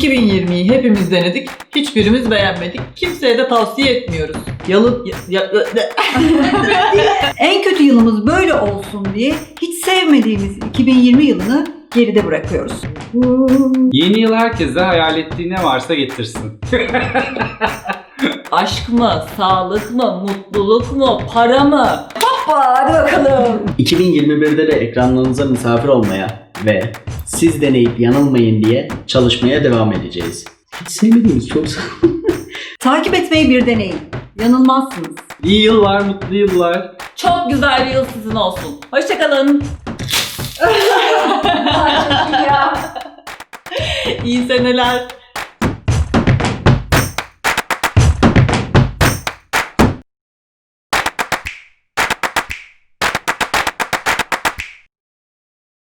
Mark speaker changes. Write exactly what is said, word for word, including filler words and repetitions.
Speaker 1: iki bin yirmiyi hepimiz denedik. Hiçbirimiz beğenmedik. Kimseye de tavsiye etmiyoruz. Yalı... Ya, ya,
Speaker 2: En kötü yılımız böyle olsun diye hiç sevmediğimiz iki bin yirmi yılını geride bırakıyoruz.
Speaker 3: Yeni yıl herkese hayal ettiği ne varsa getirsin.
Speaker 1: aşk mı? Sağlık mı? Mutluluk mu? Para mı? Hoppa hadi bakalım.
Speaker 4: iki bin yirmi birde de ekranlarınıza misafir olmaya ve siz deneyip yanılmayın diye çalışmaya devam edeceğiz. Hiç sevmediğimiz çok
Speaker 2: Takip etmeyi bir deneyin. Yanılmazsınız.
Speaker 3: İyi yıllar, mutlu yıllar.
Speaker 1: Çok güzel bir yıl sizin olsun. Hoşçakalın. İyi seneler.